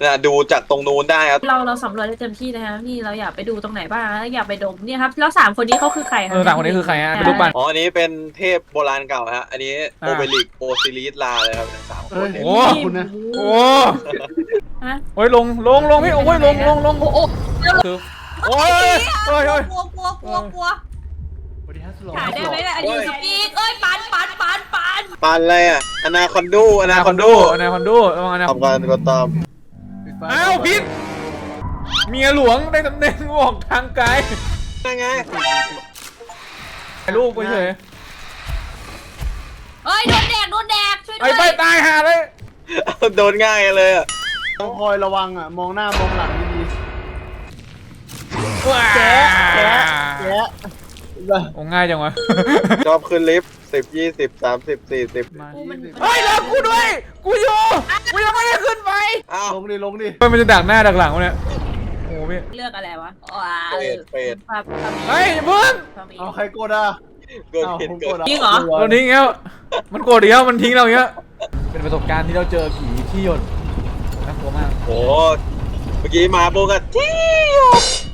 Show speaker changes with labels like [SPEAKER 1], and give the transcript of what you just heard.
[SPEAKER 1] ดูจากตรงนู้นได้ครับ
[SPEAKER 2] เราสำรวจได้เต็มที่นะครับนี่เราอยากไปดูตรงไหนบ้างอยากไปดมเนี่ยครับแล้ว3 คนนี้เขาคือใครครับ
[SPEAKER 3] 3 คนนี้คือใครฮะเป็นลูกปั้น
[SPEAKER 1] อ๋ออันนี้เป็นเทพโบราณเก่าฮะอันนี้โอเบลิกโอซิลิสลาเลยครับสามคนเนี่ย
[SPEAKER 3] โอ้
[SPEAKER 4] คุณนะ
[SPEAKER 3] โห
[SPEAKER 2] ฮะ
[SPEAKER 3] โอ้ยลงพี่โอ้ยลงโอ้คือโอ้ยโอ้ย
[SPEAKER 2] กลัว
[SPEAKER 4] สวัสดีครับสโล
[SPEAKER 2] ถ่ายได้ไหมเนี่ยอันนี้สปีกปัน
[SPEAKER 1] ปานอะไรอ่ะอนาคอนดู
[SPEAKER 3] อนาคอนดูระวังอนาค
[SPEAKER 1] ทำการกดตาม
[SPEAKER 3] อ้าวพิษเมียหลวงได้ตำแหน่งออกทางไกล
[SPEAKER 1] ยังไง
[SPEAKER 3] ถ่ายรูปไปเฉย
[SPEAKER 2] โดนแดกช่วยด้
[SPEAKER 3] ไอ้
[SPEAKER 2] วย
[SPEAKER 3] ไปตายหาเลย
[SPEAKER 1] โดนง่ายเลยอ่ะ
[SPEAKER 4] ต้องคอยระวังอ่ะมองหน้ามองหลังดี
[SPEAKER 3] ว้า
[SPEAKER 4] ๆแกะ
[SPEAKER 3] โอ้ง่ายจังวะ
[SPEAKER 1] ชอบขึ้นลิฟต์10 20 30 40
[SPEAKER 3] เฮ้ยแล้วกูด้วยกูอยู่กูยังไม่ได้ขึ้นไป
[SPEAKER 1] อ้าว
[SPEAKER 4] ลงดิ
[SPEAKER 3] มันจะดักหน้าดักหลังวะเนี่ยโอ้พี่
[SPEAKER 2] เลือกอะไรวะ
[SPEAKER 1] เป็ด
[SPEAKER 3] เฮ้ยอย่าเพิ่ง
[SPEAKER 4] เอาใครกดอ่ะ
[SPEAKER 1] เกิด
[SPEAKER 4] เอา
[SPEAKER 1] ผิด
[SPEAKER 4] ผม
[SPEAKER 1] เกิ
[SPEAKER 4] ก
[SPEAKER 1] ด
[SPEAKER 4] ดอ่ะ
[SPEAKER 2] จริงเหรอ
[SPEAKER 3] เราทิ้งแล้วมันโกรธอีกแล้วมันทิ้งเราอย่างเงี้ยเป็นประสบการณ์ที่เราเจอผีที่หยดน่ากลัวมาก
[SPEAKER 1] โอ้เมื่อกี้มาโบกันที่